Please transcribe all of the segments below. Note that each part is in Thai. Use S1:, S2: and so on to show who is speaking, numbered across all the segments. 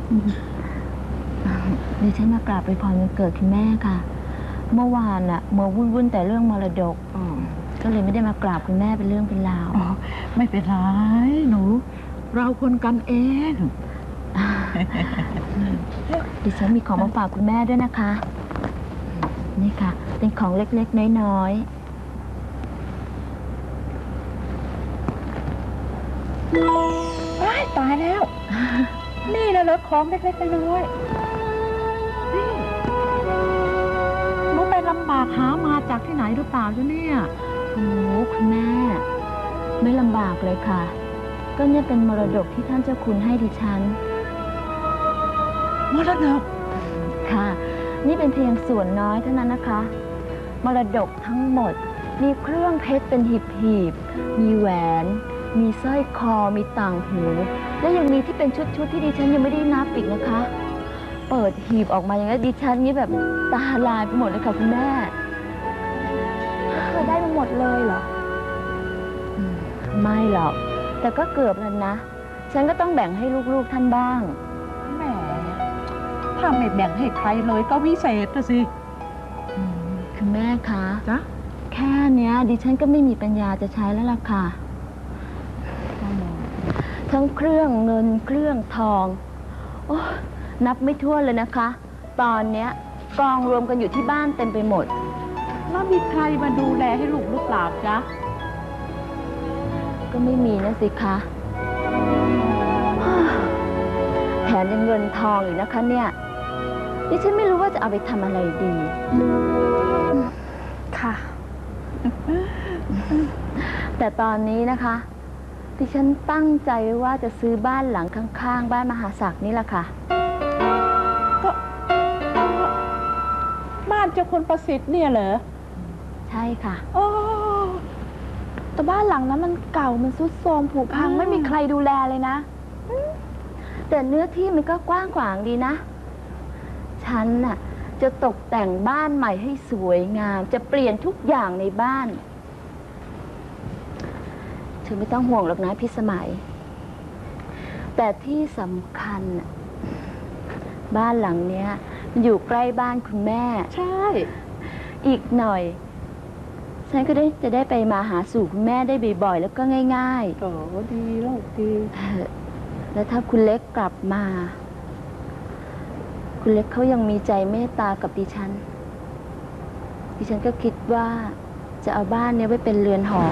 S1: ดิฉันมากราบไปพรวันเกิดคุณแม่ค่ะเมื่อวานน่ะมัววุ่นแต่เรื่องมรดกก็เลยไม่ได้มากราบคุณแม่เป็นเรื่องเป็นราว
S2: ไม่เป็นไรหนูเราคนกันเอง
S1: ดิฉันมีของมาฝากคุณแม่ด้วยนะคะนี่ค่ะเป็นของเล็กๆน้อย
S2: ๆตายแล้วนี่นะเหรอของเล็กๆน้อยๆนี่หนูไปลำบากหามาจากที่ไหนหรือเปล่าจ๊ะเนี่ย
S1: โอ้คุณแม่ไม่ลำบากเลยค่ะก็เนี่ยเป็นมรดกที่ท่านเจ้าคุณให้ดิฉัน
S2: มรดก
S1: ค่ะนี่เป็นเพียงส่วนน้อยเท่านั้นนะคะมรดกทั้งหมดมีเครื่องเพชรเป็นหีบๆมีแหวนมีสร้อยคอมีต่างหูและยังมีที่เป็นชุดที่ดิฉันยังไม่ได้นับอีกนะคะเปิดหีบออกมาอย่างนี้ดิฉันนี่แบบตาลายไปหมดเลยค่ะคุณแม่
S3: เธอได้มาหมดเลยเหรอ
S1: ไม่หรอกแต่ก็เกือบแล้วนะฉันก็ต้องแบ่งให้ลูกๆท่านบ้าง
S2: แหมถ้าไม่แบ่งให้ใครเลยก็วิเศษนะสิ
S1: คุณแม่คะ
S2: จ๊ะ
S1: แค่เนี้ยดิฉันก็ไม่มีปัญญาจะใช้แล้วล่ะค่ะทั้งเครื่องเงินเครื่องทองโอ้นับไม่ถ้วนเลยนะคะตอนเนี้ยกองรวมกันอยู่ที่บ้านเต็มไปหมด
S2: แล้วมีใครมาดูแลให้ลูกหรือเปล่าจ๊ะ
S1: ก็ไม่มีนะสิคะแถมยังเงินทองอีกนะคะเนี่ยดิฉันไม่รู้ว่าจะเอาไปทำอะไรดี
S3: ค่ะ
S1: แต่ตอนนี้นะคะดิฉันตั้งใจไว้ว่าจะซื้อบ้านหลังข้างๆบ้านมหาศักดิ์นี่แหละค่ะ
S2: ก็บ้านเจ้าคุณประสิทธิ์เนี่ยเหรอ
S1: ใช่ค่ะ
S3: โอ้แต่บ้านหลังนั้นมันเก่ามันทรุดโทรมผุพังไม่มีใครดูแลเลยนะ
S1: แต่เนื้อที่มันก็กว้างขวางดีนะฉันน่ะจะตกแต่งบ้านใหม่ให้สวยงามจะเปลี่ยนทุกอย่างในบ้านเธอไม่ต้องห่วงหรอกนะพี่สมัยแต่ที่สำคัญบ้านหลังเนี้ยมันอยู่ใกล้บ้านคุณแม่
S2: ใช่
S1: อีกหน่อยฉันก็จะได้ไปมาหาสู่คุณแม่ได้บ่อยๆแล้วก็ง่าย
S2: ๆโอ้ดีลูกดี
S1: แล้วถ้าคุณเล็กกลับมาคุณเล็กเขายังมีใจเมตตากับดิฉันก็คิดว่าจะเอาบ้านนี้ไว้เป็นเรือนหอ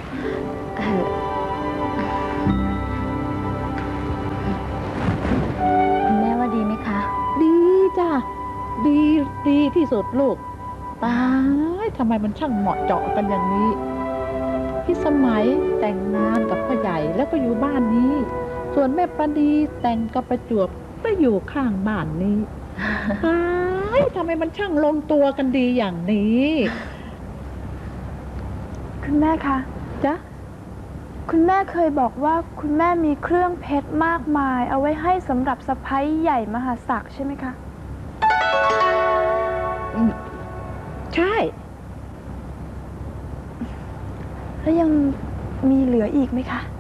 S1: คุณแม่ว่าดีไหมคะ
S2: ดีจ้ะดีที่สุดลูกตายทำไมมันช่างเหมาะเจาะกันอย่างนี้พี่สมัยแต่งงานกับพ่อใหญ่แล้วก็อยู่บ้านนี้ส่วนแม่ประดีแต่งกับประจวบก็อยู่ข้างบ้านนี้ทำไมมันช่างลงตัวกันดีอย่างนี้
S3: คุณแม่คะ
S2: จ๊ะ
S3: คุณแม่เคยบอกว่าคุณแม่มีเครื่องเพชรมากมายเอาไว้ให้สำหรับสะใภ้ใหญ่มหาศักดิ์ใช่ไหมคะ
S2: ใช่
S3: แล้วยังมีเหลืออีกไหมคะ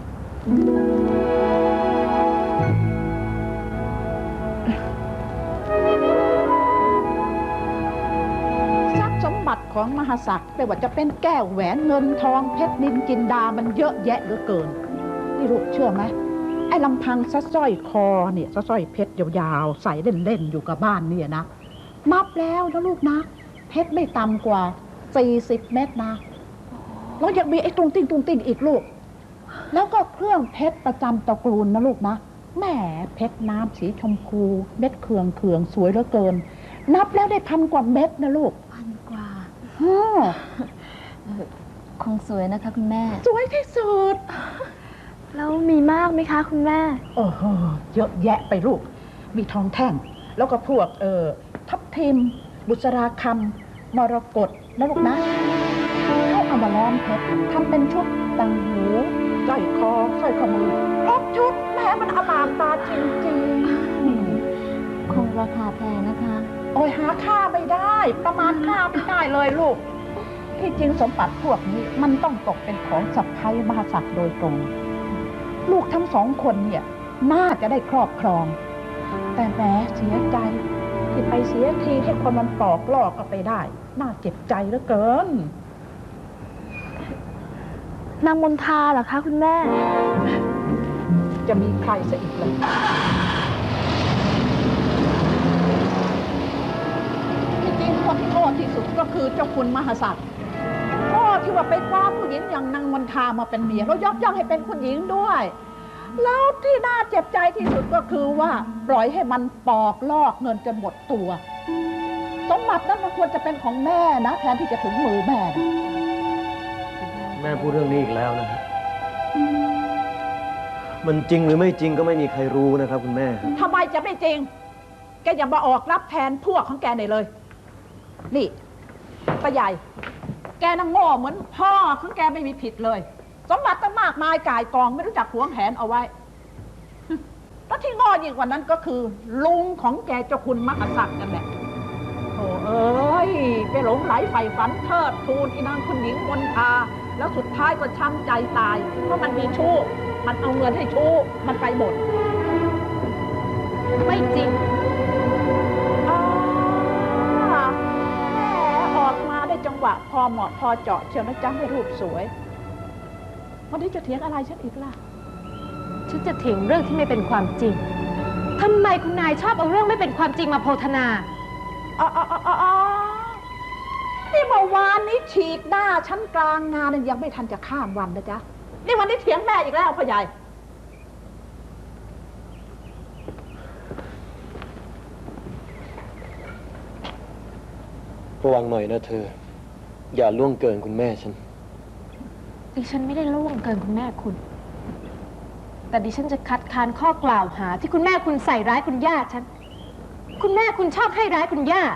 S2: ทรัพย์สมบัติของมหาศักดิ์ไม่ว่าจะเป็นแก้วแหวนเงินทองเพชรนินจินดามันเยอะแยะเหลือเกินนี่ลูกเชื่อไหมไอ้ลำพังสร้อยคอเนี่ยสร้อยเพชรยาวๆใส่เล่นๆอยู่กับบ้านเนี่ยนะนับแล้วนะลูกนะเพชรไม่ต่ำกว่า40 เม็ดนะแล้วยังมีไอ้ตุงติ้งอีกลูกแล้วก็เครื่องเพชรประจำตระกูลนะลูกนะแหมเพชรน้ำสีชมพูเม็ดเคืองสวยเหลือเกินนับแล้วได้1,000 กว่าเม็ดนะลูก
S1: 1,000 กว่าคงสวยนะคะคุณแม่
S2: สวยที่สุด
S3: แล้วมีมากไหมคะคุณแม่
S2: โอ้โหเยอะแยะไปลูกมีทองแท่งแล้วก็พวกทับทิมบุษราคำมรกตนะลูกนะเขาเอามาล้อมเพชรทำเป็นชุดต่างหูสร้อยคอสร้อยข้อมือครบชุดแม่มันอมตะจริง
S1: ๆคงราคาแพงนะคะ
S2: โอ้ยหาค่าไม่ได้ประมาณค่าไม่ได้เลยลูกที่จริงสมบัติพวกนี้มันต้องตกเป็นของสะใภ้มหาศักดิ์โดยตรงลูกทั้ง2 คนเนี่ยน่าจะได้ครอบครองแแต่แหมเสียใจที่ไปเสียทีให้คนมันปอกลอกเอาไปได้ น่าเจ็บใจเหลือเกิน
S3: นางมนทาเหรอคะคุณแม่
S2: จะมีใครซะอีกเลยที่จริงคนที่โง่ที่สุดก็คือเจ้าคุณมหาศักดิ์โง่ที่ว่าไปคว้าผู้หญิงอย่างนางมนทามาเป็นเมียแล้วยกย่องให้เป็นคุณหญิงด้วย แล้วที่น่าเจ็บใจที่สุดก็คือว่าปล่อยให้มันปอกลอกเงินจนหมดตัวสมบัตินั้นมันควรจะเป็นของแม่นะแทนที่จะถึงมือแม่นะ
S4: แม่พูดเรื่องนี้อีกแล้วนะครับมันจริงหรือไม่จริงก็ไม่มีใครรู้นะครับคุณแม่
S2: ทำไมจะไม่จริง แกอย่ามาออกรับแทนพวกของแกหน่อยเลย นี่ป้าใหญ่ แกน่ะโง่เหมือนพ่อของแกไม่มีผิดเลย สมบัติตั้งมากมายก่ายกองไม่รู้จักหวงแหนเอาไว้ แล้วที่โง่ยิ่งกว่านั้นก็คือ ลุงของแกเจ้าคุณมหาศักดิ์กันแหละโอ้เอ้ยไปหลงไหลใฝ่ฝันเทิดทูนอีนางคุณหญิงมนทาแล้วสุดท้ายก็ช้ำใจตายเพราะมันมีชู้มันเอาเงินให้ชู้มันไปหมด
S1: ไม่จริง
S2: แหมออกมาได้จังหวะพอเหมาะพอเจาะเชียวนะจ๊ะให้รูปสวยวันนี้จะเถียงอะไรฉันอีกล่ะ
S5: ฉันจะเถียงเรื่องที่ไม่เป็นความจริง ทำไมคุณนายชอบเอาเรื่องไม่เป็นความจริงมาโพธนา
S2: นี่เมื่อวานนี้ฉีกหน้าฉันกลางงานยังไม่ทันจะข้ามวันนะจ๊ะ นี่วันนี้เถียงแม่อีกแล้วพ่อใหญ่
S4: ระวังหน่อยนะเธอ อย่าล่วงเกินคุณแม่ฉัน
S5: ดิฉันไม่ได้ล่วงเกินคุณแม่คุณ แต่ดิฉันจะคัดค้านข้อกล่าวหาที่คุณแม่คุณใส่ร้ายคุณย่าฉัน คุณแม่คุณชอบให้ร้ายคุณย่า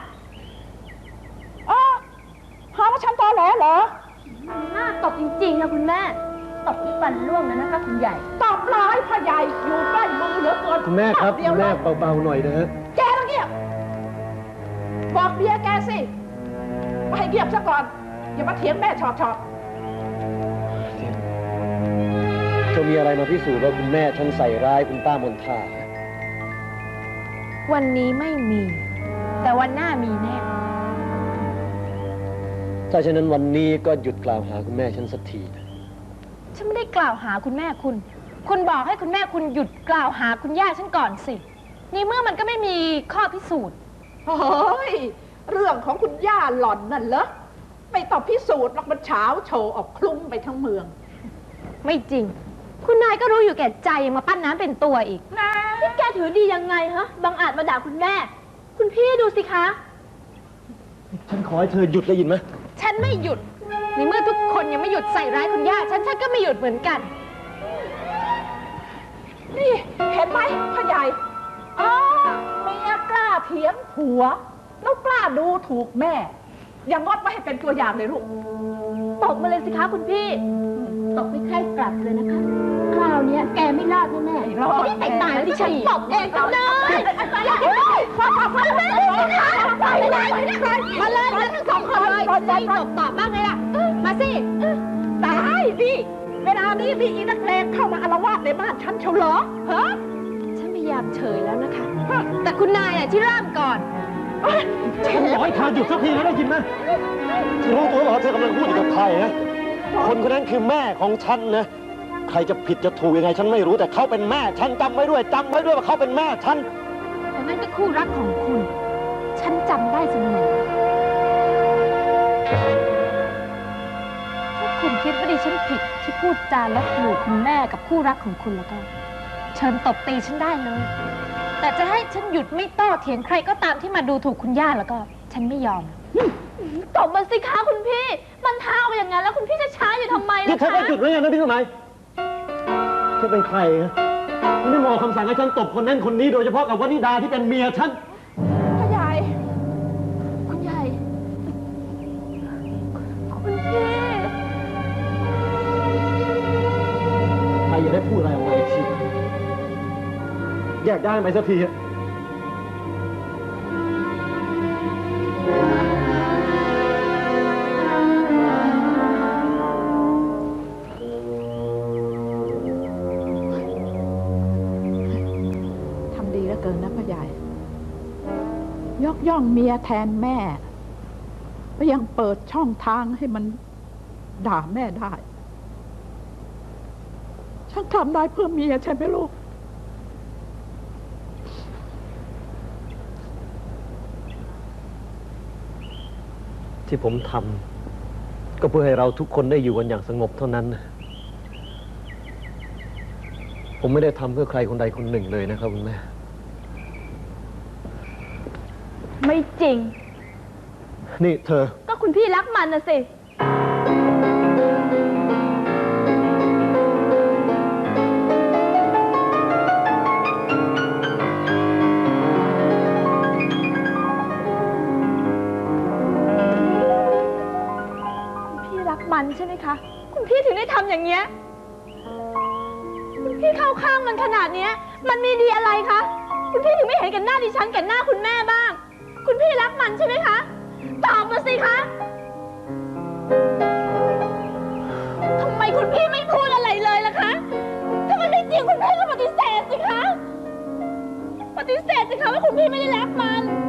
S2: หาว่าฉันตอแหลเหรอ
S1: หน้าตบจริงๆนะคุณแม่ตบที่ฟันร่วงแล้วนะคะคุณใหญ่
S2: ตอบร้ายพ่อใหญ่อยู่ใกล้มือเหลือเกิน
S4: คุณแม่ครับ
S2: เดียว
S4: คุณ
S2: เล
S4: แม่
S2: ย
S4: เบาๆหน่อยนะฮะ
S2: แกต้องเงียบบอกเมียแกสิมาให้เงียบซะก่อน อย่ามาเถียงแม่ชอบ
S4: เธอมีอะไรมาพิสูจน์ว่าคุณแม่ฉันใส่ร้ายคุณป้ามนทา
S5: วันนี้ไม่มี แต่วันหน้ามีแน่
S4: ถ้าฉะนั้นวันนี้ก็หยุดกล่าวหาคุณแม่ฉันสักทีนะ
S5: ฉันไม่ได้กล่าวหาคุณแม่คุณ คุณบอกให้คุณแม่คุณหยุดกล่าวหาคุณย่าฉันก่อนสิ นี่เมื่อมันก็ไม่มีข้อพิสูจน์
S2: เฮ้ย เรื่องของคุณย่าหล่อนนั่นเหรอไม่ต้องพิสูจน์หรอกมันเช้าโชว์ออกคลุ้มไปทั้งเมือง
S5: ไม่จริง คุณนายก็รู้อยู่แก่ใจยังมาปั้นน้ำเป็นตัวอีก
S1: นี่แกถือดียังไงฮะบังอาจมาด่าคุณแม่ คุณพี่ดูสิคะ
S4: ฉันขอให้เธอหยุดได้ยินไหม
S5: ฉันไม่หยุด ในเมื่อทุกคนยังไม่หยุดใส่ร้ายคุณย่าฉันก็ไม่หยุดเหมือนกัน
S2: นี่เห็นไหมพ่อใหญ่เมียกล้าเถียงผัว แล้วกล้าดูถูกแม่ อย่างงดไว้ให้เป็นตัวอย่างเลยลูก
S1: ตบมาเลยสิคะคุณพี่ ตบไม่ใคร่กลับเลยนะคะ คราวเนี้ยแกไม่รอดแน่ๆ
S2: ไม่รอด
S1: นี่แต่ตายแล้วที่ฉันตบเองเอาเลย
S2: มาเลยทั้งสองคนเลย
S5: ตบตอบบ้างไงล่ะ มาสิ
S2: ตายนี่เวลานี้มีอีนักเลงเข้ามาอาละวาดในบ้านฉันเชียวเหรอฮะ
S5: ฉันพยายามเฉยแล้วนะคะ แต่คุณนายน่ะที่เริ่มก่อน
S4: ฉันบอกให้เธอหยุดสักทีแล้วได้ยินไหมเธอรู้ตัวหรอเธอกำลังพูดอยู่กับใครนะ คนคนนั้นคือแม่ของฉันนะ ใครจะผิดจะถูกยังไงฉันไม่รู้แต่เขาเป็นแม่ฉันจำไว้ด้วยว่าเขาเป็นแม่ฉัน
S5: แต่นั่นก็คู่รักของคุณ ฉันจำได้เสมอถ้าคุณคิดว่าดิฉันผิดที่พูดจาลบหลู่คุณแม่กับคู่รักของคุณแล้วก็ เชิญตบตีฉันได้เลย แต่จะให้ฉันหยุดไม่โต้เถียงใครก็ตามที่มาดูถูกคุณย่าแล้วก็ ฉันไม่ยอม
S1: ตบมาสิคะคุณพี่ มันเท้าไปอย่างนั้นแล้วคุณพี่จะช้าอยู่ทำไม
S4: นี่
S1: ล่ะ
S4: เธอ
S1: คะ
S4: ก็หยุดไว้ยังนะพี่สมัยเธอเป็นใครฮะไม่มองคำสั่งให้ฉันตบคนนั้นคนนี้โดยเฉพาะกับวนิดาที่เป็นเมียฉัน
S2: พ่อใหญ่
S1: คุณใหญ่ คุณพี่
S4: ใครอย่าได้พูดอะไรออกมาอีกทีแยกได้ไหมสักทีอะ
S2: ทำดีแล้วเกินนะพ่อใหญ่ยกย่องเมียแทนแม่ก็ยังเปิดช่องทางให้มันด่าแม่ได้ฉันทำได้เพื่อเมียใช่ไหมลูก
S4: ที่ผมทำก็เพื่อให้เราทุกคนได้อยู่กันอย่างสงบเท่านั้นนะผมไม่ได้ทำเพื่อใครคนใดคนหนึ่งเลยนะครับคุณแม่
S3: ไม่จริง
S4: นี่เธอ
S3: ก็คุณพี่รักมันนะสิ คุณพี่รักมันใช่ไหมคะ คุณพี่ถึงได้ทำอย่างเงี้ย คุณพี่เข้าข้างมันขนาดเนี้ย มันมีดีอะไรคะ คุณพี่ถึงไม่เห็นแก่หน้าดิฉันแก่หน้าคุณแม่บ้าง คุณพี่รักมันใช่ไหมคะ ตอบมาสิคะ ทำไมคุณพี่ไม่พูดอะไรเลยล่ะคะ ถ้ามันไม่จริงคุณพี่ก็ปฏิเสธสิคะ ปฏิเสธสิคะว่าคุณพี่ไม่ได้รักมัน